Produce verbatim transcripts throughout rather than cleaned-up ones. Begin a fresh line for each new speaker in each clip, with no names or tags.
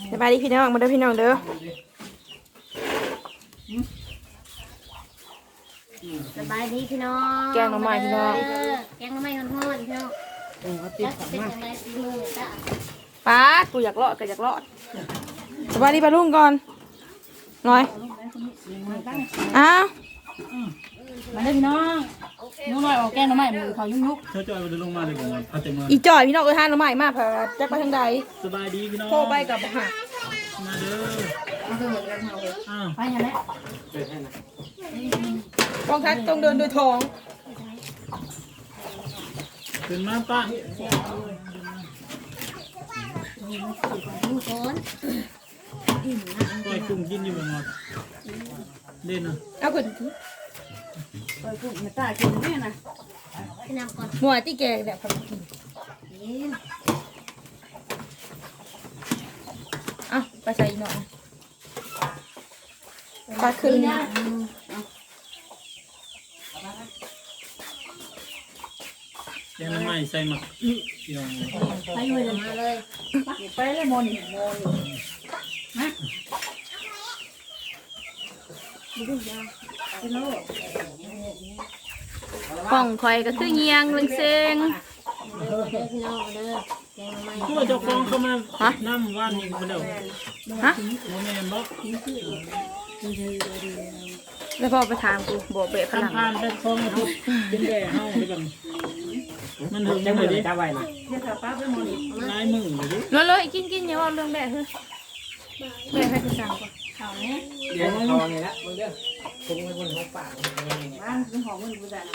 สบายดีพี่น้องมาเด้อพี่น้องเด้อ
สบายดีพี่น้อง
แกงหน่อไม้พี่น้อง
แกงหน่อไม้ฮ้อนๆพี่น้องเออติดกับมาเป็นจังได๋สิมือจ้ะ
ป้าดกูอยากรอดก็อยากรอดสบายดีปลาลุงก่อนหน่อยอ้าว
มาเลยพี่น้องนุ่งน้อยออกแกงหน่อไม้มือเขายุ่งยุก
เธอจอยมาเดินลงมาเลยผมเอาเต็มมา
อีจ่อยพี่น้องเอ้ยห้าหน่อไม้มาเผื่อจักไปทางใด
สบายดีพี่น้อง
โทรไปกับหัก
มาเด้อ
มันคือเหมือนกันเฮาเลย
อ้าว
ไปยังไง
กองทัพต้องเดินโดยท้อง
ขึ้นมาป้า
ดูก่อน
ปล่อยกุ้งกินอยู่บ่หมดเล่นนะ
เอาขึ้น
ไปกุ้งมาตากินแม่นะ
พี่น้ำก่อน
หัวที่แกแบบพอกิน
กิน
อ่ะไปใส่อีกหน่อยปลาขึ้นนะ
แกงใหม่ใส่หมักพี่น้อง
ไปเลย
มาเลย
ไปเลยมนมนฮะ
ของคอยก็คือเงียงเรื่องเซง
เด้อพี่น้องเด้อแกงหน่อไม้
ตัวเจ้าของเข้ามานั่งว่านนี่มาเดี๋ยว
ฮะ
โมแมนบอก
แล้วพอไปถามกูบอกเบะฝ
ผ่าน
รั่ง
ผ่านไปคลองมาทุกเป็นแก่เฮาเลยแบบมันถึงยังไงดิจับไว้นะ
เดี๋ยวกลับป้าไปมน
ลายมือเลยดิ
เลยเลยกินกินอย่าว่าเรื่องแบะเฮ้ยแบะให้กูสั่งก่อน
เขาเนี่ย
เดี๋ยวทองไงละมึงเด้อคงไม่บนหัวปาก
บ้านเป็นของมึงกูจะนะ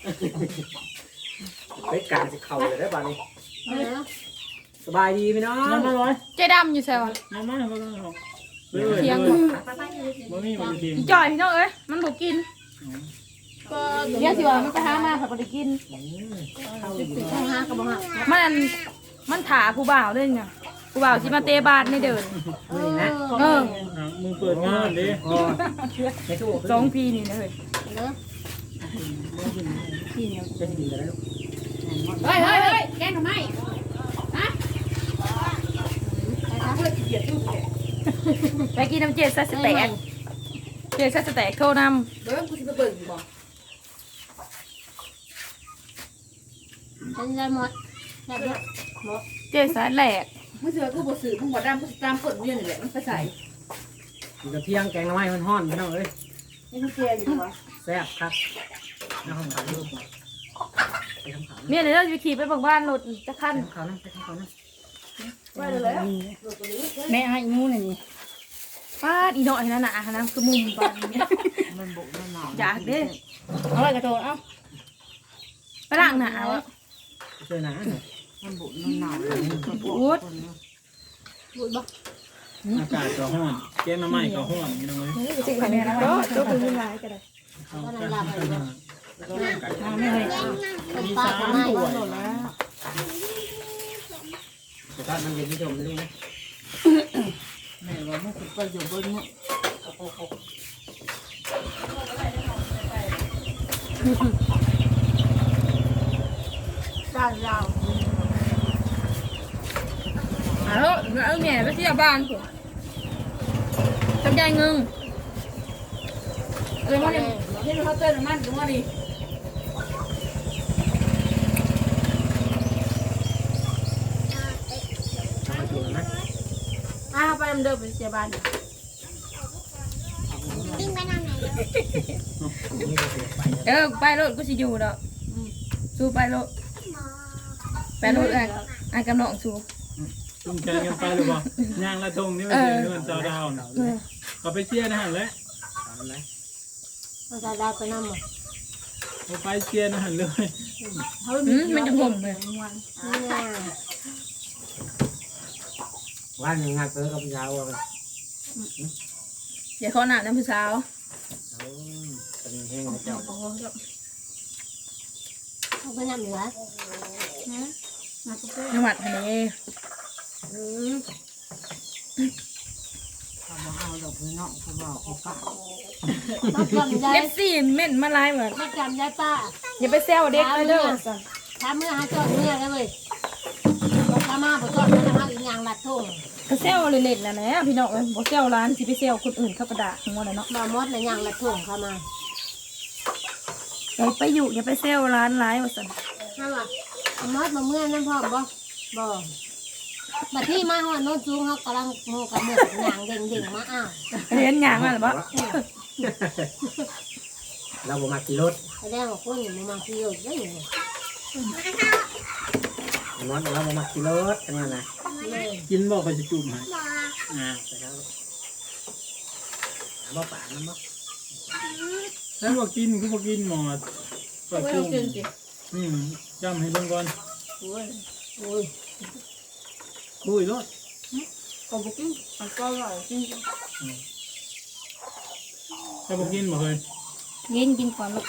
ไปการสิเข่าเลยได้ป่ะนี่
เด้อ
สบายดีพี่น้อง
น้ำมาร้อย
เจ๊ดำอยู่ใช่ปะ
น้ำมาเขาต้องเอาเรื่อย
เทียง
ๆ
บ่
บ่มีบ่มี
อีจ่อยพี่น้องเอ้ยมันถูกกินเดี๋ยวสิว่ามันไปหามาผักบ่ได้กิน
ต้องหากับบ่ฮะ
มันอันมันถาผู้บ่าวเด้นเนี่ยผู้บ่าวสิมาเตะบาสในเดิน
เออ
เออ
อ่ะมึงเปิดงานดิ
อ๋อไม่ถูก
สองปีนี่นะเฮ้ย
เด้อ
เป็นดีแล้ว
เฮ้ยเฮ้ยเฮ้ยแกงหน่อไม้
ไปกินน้ำเจ็ดซะสแต็กเจ็ดซะสแต็กโทรน
เบิ้งกูจะไปเบิ่งบ่
เป็นไรหมดได้เด้อ
ำเจ็ดสายแหลก
มึงเสือกูบ่สื่อมึงบ่ดำกูตามกดเวียนนี่แหละมันไปใส่
กินกระเทียมแกงน้ำไม้มันห้อนพี่น้องเอ้ย
นี่มันเจียอยู่วะ
แซ่บครับน้ำขาวลูกไปทำขาว
เนี่ยเดี๋ยวเราจะขี่ไปบอกบ้านรถจะขั้น
ขาวนะไปทำขาวนะ
ไปเลยแล้วแม่ให้งูนี่นี่
ป้าดอีน้อยนั่นน่ะอันนั้นคือมุมบ้านเนี่ย
มันบุกมันหนาว
อยากเด้
เอาไว้กระโดดเอ้า
ฝรั่งหนาวอะ
เจอหนามันบุกมันหนาว
พูด
อากาศก็ร้อนแกงน้ำไม้ก็ร้อนนี่น้องเอ้ย
จริงค่ะแม่นะก็ตัวคุณเป็นไรก็ได้
เข้ากันเข้ากันมา
มาไม่เลย
เป็นปลากับไม้
แต่ถ้ามันเย็นที่ชมลูกนะ
แม่ว่ามึงไปอยู่บนมึง
ด้านเรา
เอาเอาแม่ไปที่บ้านผมทำใจเงิง
เออมาเนี่ยที่เขาเต้นมันกูมาดิ
มาถูกนะ
อ้าวไปดำเดินไปเสียบ้าน
เออไปรถกูสิอยู่ดอกสู้ไปรถไปรถไอ้ไอ้กำลังสู้
จุ่มแกงกันไปหรือเปล่าย่างละทงนี่มันเจอเงินเจ้าดาวน่ะก็ไปเชียร์นะฮะแล้ว
ขาวนะ
เราจะได้ไปนำหมด
เอาไปเชียร์นะฮะเลย
อืมมันจะห่มเลย
ว่าหนึ่งงานเปิดกับยาวเลย
อย่าเขาหนาน้ำผู้สาว
เป็นแห้งเจ้า
เอาไปนำเหลือ
จังหวัดทะเล
อืม
เอาดอกน้องเขาบอกเขาป้า
ต้องจำได้
เอฟซีเม่นมาไล่เหมือน
ต้องจำได้ป้า
อย่าไปแซวเด็กเลยเด้อ
ถ้าเมื่อหาจอดเมื่อแล้วเว้ยถ้ามาบ่จอดมันจะหาอีกไงยางลัดทุ่ง
ก็เซลเล่นๆนะแหละพี่น้องเอ้ยบ่เซลร้านสิไปเซลคนอื่นเขากระดาษหัวเลยเนาะ
บามดนะยางลัดทุ่งเข้ามา
อย่าไปอยู่อย่าไปเซลร้านร้ายว่าซั่น
นั่นว่ะบามดมาเมื่อนั่นพ่อบ่บ่บัดที่มาหัวโน้นจูงเขากำลังโมกับหมกยางเด้งๆมาอ้าว
เห็นหยังอ่ะบ่
เราบ่มาขี่รถ
แสดงว่าคนอยู่มาขี่รถได้ยังไง
นอนเราบ่มาขี่รถกันนั่นนะ
เลย
กินบ่ก็จะจุ่มให้
อ่าไปแล้วบ่ป่าน้ำบ่
แล้วบ่กินคือบ่กินหมดก็
ไม่
จุ่
ต้อง
ม
กินสิ
อืมจำให้เบิ่งก่อน
โอ้ย
โอ้ย
คุยรถ
ก็บ่กินอันก็อร่อยกิน
ถ้าบ่กินบ่เคย
กินกินก่อนลูก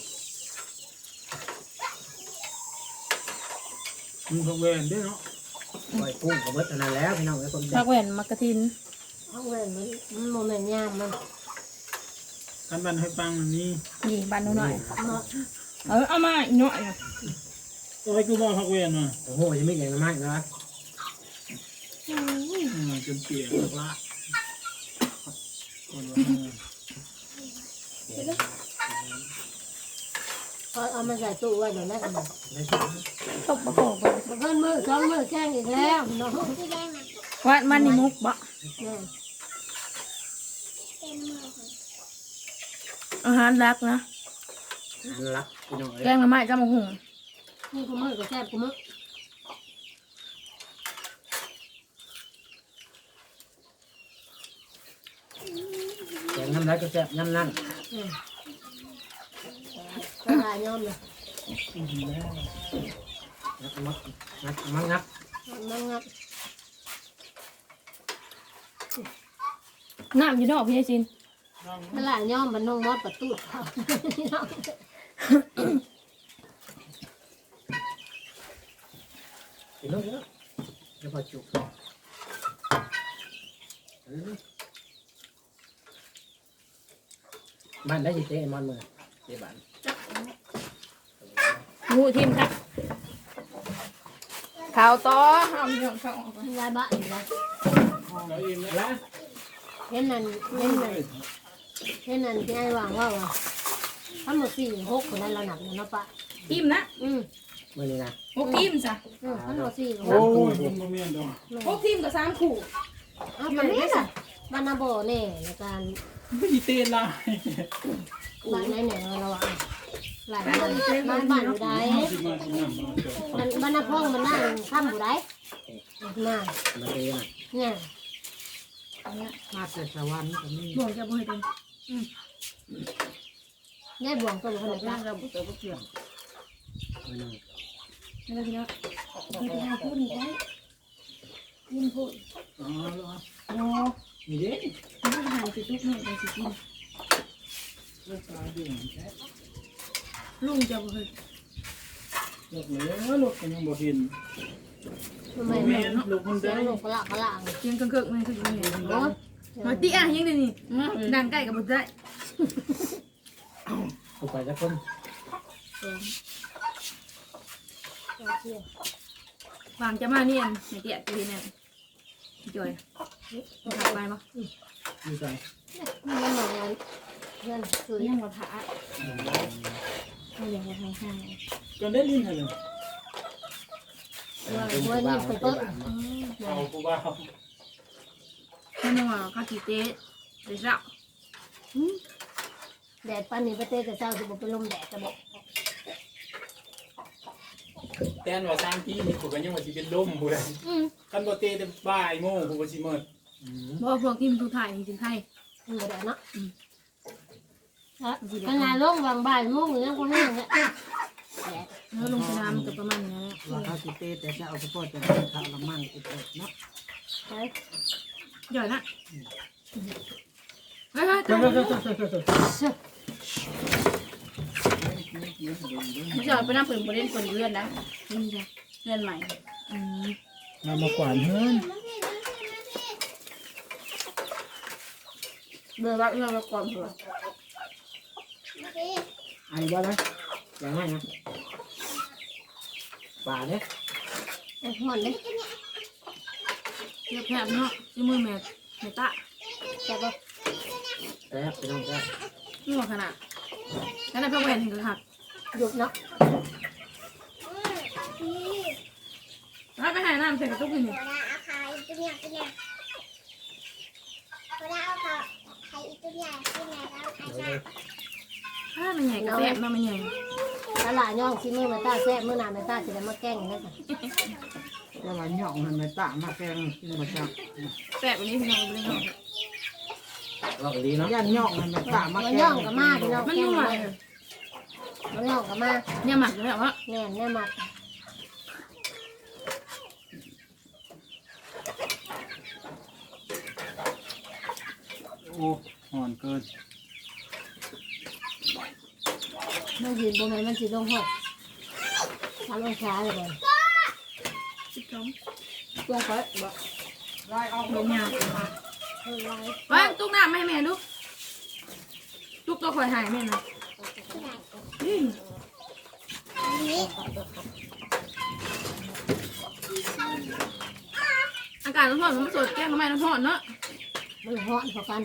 มันพวกแวนเด้อเนาะ
ปล่อยกุ้งกับเบิดเท่านั้นแล้วพี่น้องไอ้คน
ผักแหวนมักกะทิน
เอาเว้ยมันมันโมเมนต์ยามมัน
กันบ้านให้ฟังอันนี้
นี่บ้านหนูหน่อย
เนาะ
เออเอามาอีกหน่อยนะ
ก็ให้กูบอกพักแวนมา
โอ้โหจะไม่อย่างนั้นไหมนะ
อืมจนเปียกละคนว่า
พอเอามาใส่ตู้ไว้เดี๋ยวนั้นกัน
ไม่ใช่
ตบบ่โกบ่
มันก็มือสองมือแข้งอีกแล้วเนาะ
ว่ามันนี่มุกบ่
เนี่ย
อาหารรักนะ
อันรักพี่น้องเอ้
แก
ย
งละไม้กับมะฮุง
นี่ก็มือก็แซ่บก็มือ
แกงน้ำรักก็แซ่บน้ำนั่น
เนี่ยก็ลายย่อมเลย
งัดมัดงัดมัดงัด
มันงับ
น้ำอยู่นอกพี่ยายซิน
ก็ลายย่อมมันน้องมดประตูเขา
กินลูกเยอะแล้วพอจุกบ้านได้ยินเตะมอนมือเตะบ้าน
งูทิมค่ะข่าวต่อห้ามย่องเข้าออก
ลายบ้าอีกแล้ว
เราเองนะ
แล้ว
เห็นนั่นเห็นนั่นเห็นนั่นที่ไอ้วางว่าว่าทั้งหมดสี่หกคนนั้นเราหนักเนาะปะ
ทิมนะ
อืม
มือนี้นะ
หกทิมจ้ะ
อืมทั้งหมดสี่ห
โอ้
ก
ยผมก็เมียนดอก
หกทิมกับสามขู่
เอาไปนี่ล่ะบ้านนาโบเน่ในการ
ไม่ได้เต้นลาย
บ้านไหนเนี่ยเราอ่ะหลายบ้านบ้านบ้านอยู่ใด
สิมาสินำมาจบ
บ้านบ้านนาพ่องมันนั่งข้ามอยู่ใดน่า
มาเตะน่ะ
เนี่ย
มาเสร็จสวรรค์ก็มี
บ่วงจะบ่ให้เป็น
ยายบวงตัวคนไหน
ร่า
จ้าง
เราบ่เติบบ่เกี่ยว
มือนึง
นี่พี่น้องไปหาพูดนี่ได้ยินพูด
อ๋อเหรอ
โอ้
มีเด้
ไม่หายสิทุกหน่อยไปสิกิน
เลิกตาอยู่แค่
ลุงจะบ่ให้
เลิกแล้วลูกก็ยังบ่เห็น
ทำไม
แม่
แม่
นลูกมัน
เสีย
ได้
งหลกกระละกระละ
เสียงเกิกๆมันคืออย่างนี้
โอ้
มาติอ่ะยังได้นี่นั่งใกล้กับบ่ได้
กูไปจะคน
วางจะมาเนียนในเตี้ยตีเนี่ยจ่อยขับไปบ่
มีใจ
มันเหมือนกันเพื่อนคือ
ยังบ่ถาเอาอย่างว่าให้ให้
จนได้ลิ้นให้เลย
ว่าว่านี่ไปเปิ้ล
เอากูว่า
นั่นว่าข้าสิเตะไปซะ
แดดปันนี่ประเทศกับเจ้าสิบ่เป็นลมแดดกระบอก
แตนว่าสร้างที่นี่กูก็ยังว่าสิเป็นลมกูเลย
อืม
คันบ่เตะแต่บ่ายโมงกูก็สิหมด
บ่พวกที่มันทุกถ่ายจริงๆไทย
มันบ่ได้เนาะขนาดลงบางบ่ายโมงยังก็แห้งเนี่ย
แล้วลงสนามก็ประมาณนี้
ว่าเขาสิเตะแต่จะเอาสปอร์ตจะเขาละมั่งอีกเนาะ
ใช่
จ่อยนะเฮ้ยๆไม่จ่อยไปนั่งเปิดบ่เล่นเปิดเลื่อนนะนี่จ้ะเลื่อนใหม่อืม
มามากวาดเฮือน
เบอร์ว่าเอื้อมาก่อนเถอะ
ไอ้บ้าเลยอย่างไรนะป่าเนี่ย
หอนเลย
สียบแผลเนาะที่มือแม่แม่ตะ
แซ่บบ่
แซ่บพี่น้องแซ่บ
นี่ว่าขนาดแล้วในพระแหวนถึงกระหัก
หยุดเนาะ
แล้วไปหาน้ำใส่กระตุกนี่
เอาไข่ตัวใหญ่ตัวใหญ่เอาไข่ตัวใหญ่ตัวใหญ่แล้วไข่ใหญ่
ถ้ามันใหญ่กระแสบมันใหญ่
ตลาดย่องสิมื้อมาตาแซ่บมื้อหน้ามาตาสิได้มาแกล้งนั่นจ้ะ
แล้ววันย่องมันไม่ตะมาแกงกินมาจับ
แสบวันนี้พี่น้องเลยเนาะ
เราดีเนาะย่านย่องมันไม่ตะมา
มั
แก
น
ง
ย่องกับมาพี่น้อง
มัน
แกล้
นั
ง
ว
เลยมันย่องกับมา
เนี่ยหมักอยู่แล้ววะ
แน่นแน่มัด
โอ้อ่อนเกิน
มันยืนบ่แม่นมันสิลงฮอดทำลงช้าเลยบ่
สิบสอง
ลงไปบ่
ได้เอา
ลงยาว
เฮ้ยไว้
ว่าตุ๊กน้ำไม่ให้แม่ลูกตุ๊กตัวคอยหายแม่นะนี่
นี้
อากาศร้อนๆมันสดแก้งทำไมร้อนๆเนาะ
มันฮ้อนพอกัน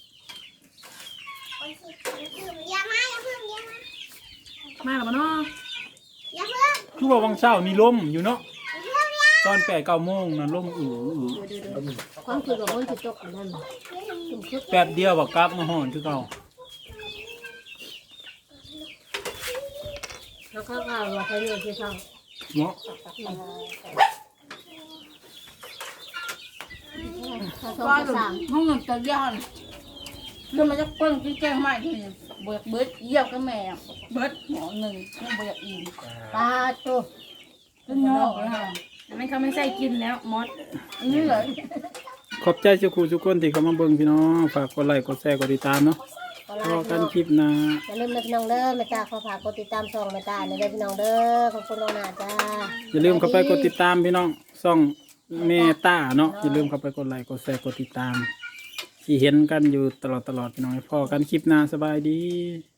คนสิอย่ามาอย่าเพิ่งอย่ามา
มาแล้วบ่เนาะ
อย่าเพิ่ง
คือว่าวังเช้านี่ล่มอยู่เนาะตอนแปดเก้าโมงนั่นล่มอืออือ
ความคิดว่ามันสิตกนั่นถึงคึก
แป๊บเดียวบักกลับมาห่อนคือเก่า
แล้วก็ว่าว่าไปเรื่อยสิเศร้า
เนาะ
ถ้าสอง
ว่า
สาม
ห้องเงินจะย่านเรื่องมันจะเปิ้งจิ้งแจ้งใหม่ที่เบิดเบิดเยี่ยวกับแม่เบิดหมอหนึ่งยังเบิดอีก
ปลาตัว
ขึ้นนอกแล้วไม่เขาไม่ใส่กินแล้วมดนี่เลย
ขอบใจเจ้าครูทุกคนที่เข้ามาเบิ่งพี่น้องฝากกดไลค์กดแชร์กดติดตามเนาะ
ก็
ร
ลา
อ
พี่
กัน
น้อง
คลิปหน้า
อย่าลืมนะพี่น้องเด้อแม่ตาขอฝากกดติดตามช่องแม่ตาในเด้อพี่น้องเด้อขอบคุณน้องนาจ้า
อย่าลืมเข้าไปกดติดตามพี่น้องช่องเมตาเนาะอย่าลืมเข้าไปกดไลค์กดแชร์กดติดตามที่เห็นกันอยู่ตลอดตลอดพี่น้องให้พอกันคลิปหน้าสบายดี